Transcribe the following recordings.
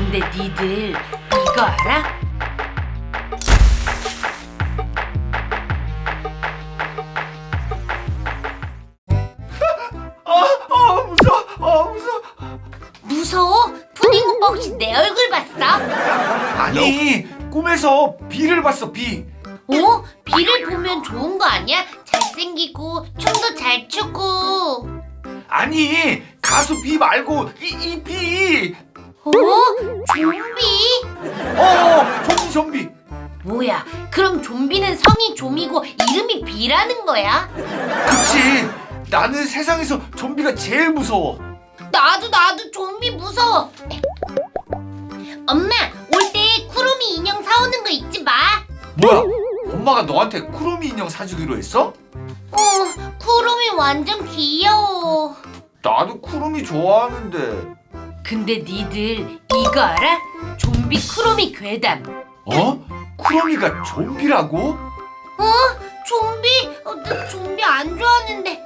근데 니들 이거 알아? 무서워. 무서워? 푸딩 오빠 혹시 내 얼굴 봤어? 아니, 꿈에서 비를 봤어, 비. 어? 비를 보면 좋은 거 아니야? 잘생기고 춤도 잘 추고. 아니, 가수 비 말고 이 비. 어? 좀비? 좀비. 뭐야, 그럼 좀비는 성이 좀이고 이름이 비라는 거야? 그치. 나는 세상에서 좀비가 제일 무서워. 나도 좀비 무서워. 엄마, 올 때 쿠로미 인형 사오는 거 잊지 마. 뭐야? 엄마가 너한테 쿠로미 인형 사주기로 했어? 쿠로미 완전 귀여워. 나도 쿠로미 좋아하는데. 근데 니들 이거 알아? 좀비 쿠로미 괴담. 쿠로미가 좀비라고? 좀비? 나 좀비 안 좋아하는데.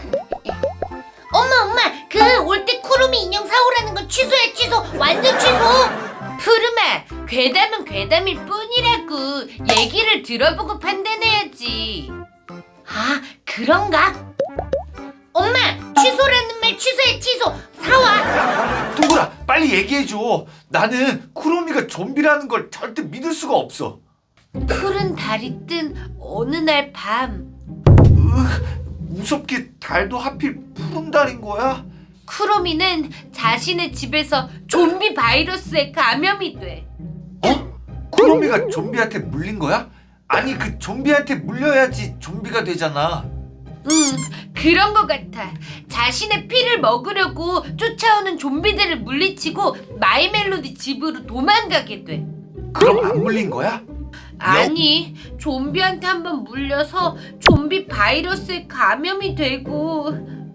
엄마, 그 올 때 쿠로미 인형 사오라는 거 취소해, 취소. 완전 취소. 푸르마, 괴담은 괴담일 뿐이라고. 얘기를 들어보고 판단해야지. 아, 그런가? 엄마, 취소라는 말 취소해, 취소. 사와. 동그라, 빨리 얘기해줘. 나는 쿠로미가 좀비라는 걸 절대 믿을 수가 없어. 푸른 달이 뜬 어느 날 밤, 무섭게 달도 하필 푸른 달인 거야? 쿠로미는 자신의 집에서 좀비 바이러스에 감염이 돼. 쿠로미가 좀비한테 물린 거야? 아니, 그 좀비한테 물려야지 좀비가 되잖아. 그런 것 같아. 자신의 피를 먹으려고 쫓아오는 좀비들을 물리치고 마이멜로디 집으로 도망가게 돼. 그럼 안 물린 거야? 아니, 좀비한테 한번 물려서 좀비 바이러스에 감염이 되고.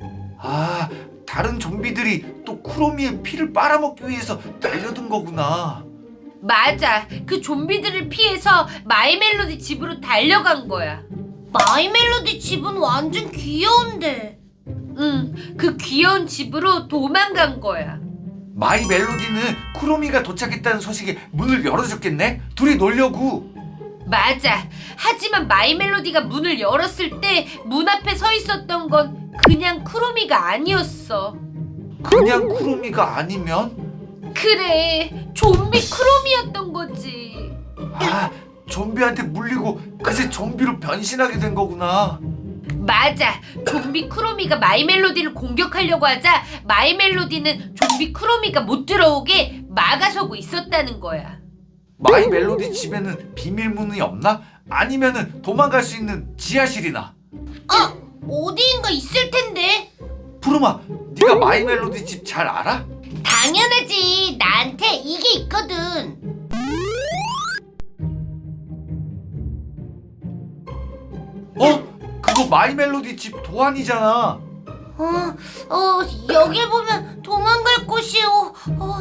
다른 좀비들이 또 쿠로미의 피를 빨아먹기 위해서 달려든 거구나. 맞아, 그 좀비들을 피해서 마이멜로디 집으로 달려간 거야. 마이멜로디 집은 완전 귀여운데. 그 귀여운 집으로 도망간 거야. 마이 멜로디는 쿠로미가 도착했다는 소식에 문을 열어줬겠네? 둘이 놀려고. 맞아. 하지만 마이멜로디가 문을 열었을 때 문 앞에 서 있었던 건 그냥 쿠로미가 아니었어. 그냥 쿠로미가 아니면? 그래, 좀비 쿠로미였던 거지. 좀비한테 물리고 그새 좀비로 변신하게 된 거구나. 맞아. 좀비 쿠로미가 마이멜로디를 공격하려고 하자 마이멜로디는 좀비 쿠로미가 못 들어오게 막아서고 있었다는 거야. 마이 멜로디 집에는 비밀문이 없나? 아니면은 도망갈 수 있는 지하실이나? 어디인가 있을 텐데. 푸르마, 네가 마이 멜로디 집 잘 알아? 당연하지. 나한테 이게 있거든. 그거 마이 멜로디 집 도안이잖아. 여길 보면 도망갈 곳이요.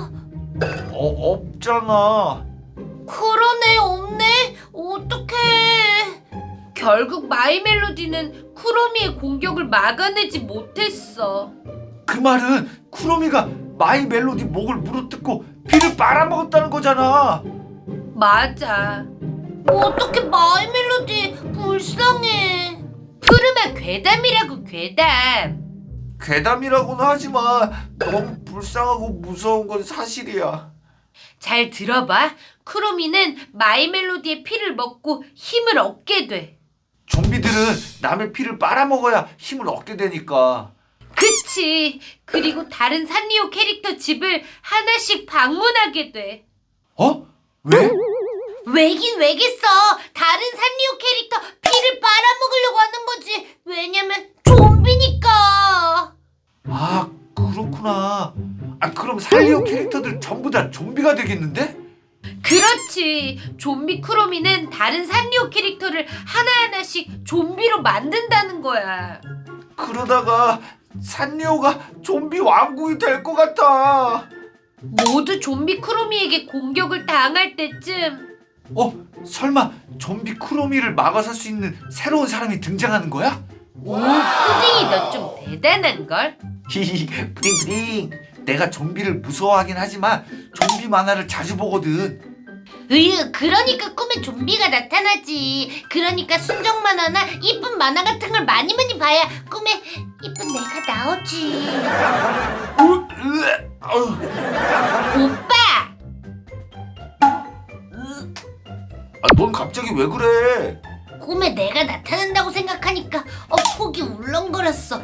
없잖아. 그러네, 없네. 어떡해. 결국 마이멜로디는 쿠로미의 공격을 막아내지 못했어. 그 말은 쿠로미가 마이 멜로디 목을 물어뜯고 피를 빨아먹었다는 거잖아. 맞아. 어떻게 마이멜로디 불쌍해. 푸르마 괴담이라고, 괴담. 괴담이라고는 하지만 너무 불쌍하고 무서운 건 사실이야. 잘 들어봐. 쿠로미는 마이멜로디의 피를 먹고 힘을 얻게 돼. 좀비들은 남의 피를 빨아먹어야 힘을 얻게 되니까. 그치. 그리고 다른 산리오 캐릭터 집을 하나씩 방문하게 돼. 왜? 왜긴 왜겠어. 다른 산리오 캐릭터 피를 빨아먹으려고 하는 거지. 왜냐면 좀비니까. 그렇구나. 그럼 살리오 캐릭터들 전부 다 좀비가 되겠는데? 그렇지. 좀비 쿠로미는 다른 산리오 캐릭터를 하나하나씩 좀비로 만든다는 거야. 그러다가 산리오가 좀비 왕국이 될 것 같아. 모두 좀비 쿠로미에게 공격을 당할 때쯤, 설마 좀비 쿠로미를 막아설 수 있는 새로운 사람이 등장하는 거야? 오, 푸딩이 너 좀 대단한걸? 히히, 푸딩. 내가 좀비를 무서워하긴 하지만 좀비 만화를 자주 보거든. 그러니까 꿈에 좀비가 나타나지. 그러니까 순정 만화나 이쁜 만화 같은 걸 많이 봐야 꿈에 이쁜 내가 나오지. 오빠! 넌 갑자기 왜 그래? 꿈에 내가 나타난다고 생각하니까 속이 울렁거렸어.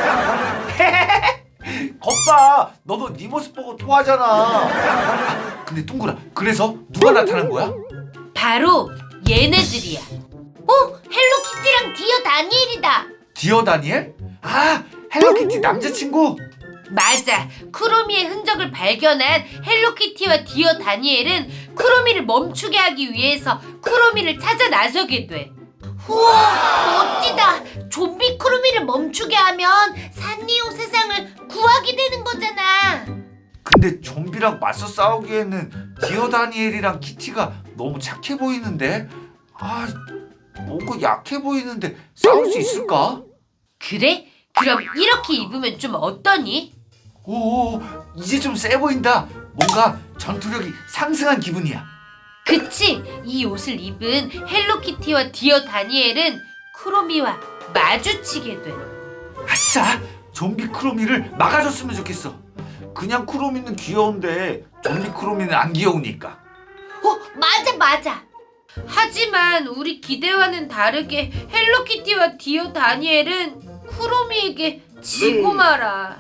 겁봐. 너도 네 모습 보고 토하잖아. 근데 둥그라, 그래서 누가 나타난 거야? 바로 얘네들이야. 헬로키티랑 디어 다니엘이다. 디어 다니엘? 아, 헬로키티 남자친구. 맞아. 크로미의 흔적을 발견한 헬로키티와 디어 다니엘은 크로미를 멈추게 하기 위해서 크로미를 찾아 나서게 돼. 우와, 멋지다. 좀비 크로미를 멈추게 하면 산리오 세상을 구하게 되는 거잖아. 근데 좀비랑 맞서 싸우기에는 디어 다니엘이랑 키티가 너무 착해 보이는데? 뭔가 약해 보이는데 싸울 수 있을까? 그래? 그럼 이렇게 입으면 좀 어떠니? 오, 이제 좀 세 보인다. 뭔가 전투력이 상승한 기분이야. 그치? 이 옷을 입은 헬로키티와 디어 다니엘은 크로미와 마주치게 돼. 아싸! 좀비 크로미를 막아줬으면 좋겠어. 그냥 크로미는 귀여운데 좀비 크로미는 안 귀여우니까. 맞아. 하지만 우리 기대와는 다르게 헬로키티와 디어 다니엘은 크로미에게 지고 말아.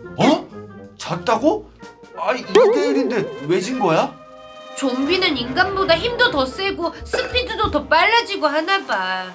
졌다고? 2대1인데 왜 진 거야? 좀비는 인간보다 힘도 더 세고 스피드도 더 빨라지고 하나 봐.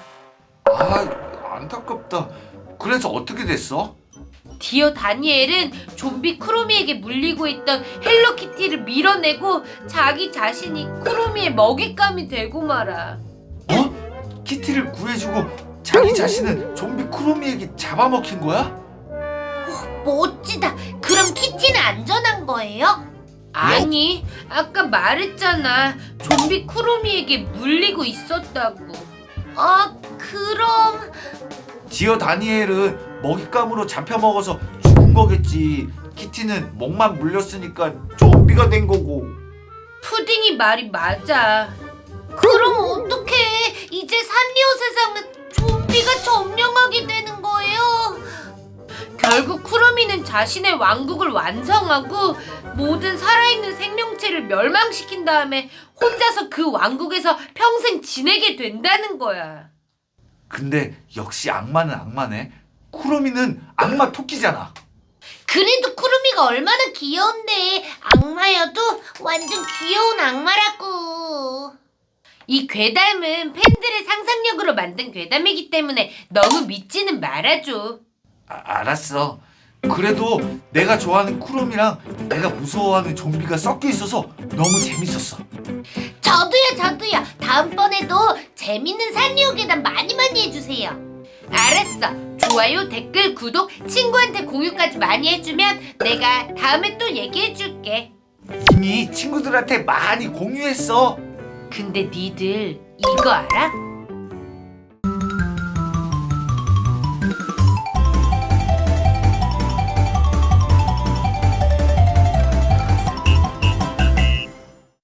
안타깝다. 그래서 어떻게 됐어? 디어 다니엘은 좀비 크로미에게 물리고 있던 헬로키티를 밀어내고 자기 자신이 크로미의 먹잇감이 되고 말아. 키티를 구해주고 자기 자신은 좀비 크로미에게 잡아먹힌 거야? 멋지다. 그럼 키티는 안전한 거예요? 아니, 아까 말했잖아. 좀비 크로미에게 물리고 있었다고. 그럼... 디어 다니엘은 먹잇감으로 잡혀먹어서 죽은 거겠지. 키티는 목만 물렸으니까 좀비가 된 거고. 푸딩이 말이 맞아. 그럼 어떡해. 이제 산리오 세상은 좀비가 점령하게 되는 거예요. 결국 크로미는 자신의 왕국을 완성하고 모든 살아있는 생명체를 멸망시킨 다음에 혼자서 그 왕국에서 평생 지내게 된다는 거야. 근데 역시 악마는 악마네. 크로미는 악마 토끼잖아. 그래도 크로미가 얼마나 귀여운데. 악마여도 완전 귀여운 악마라고. 이 괴담은 팬들의 상상력으로 만든 괴담이기 때문에 너무 믿지는 말아줘. 알았어. 그래도 내가 좋아하는 크롬이랑 내가 무서워하는 좀비가 섞여 있어서 너무 재밌었어. 저도요. 다음번에도 재밌는 산리오 괴담 많이 해주세요. 알았어. 좋아요, 댓글, 구독, 친구한테 공유까지 많이 해주면 내가 다음에 또 얘기해줄게. 이미 친구들한테 많이 공유했어. 근데 니들 이거 알아?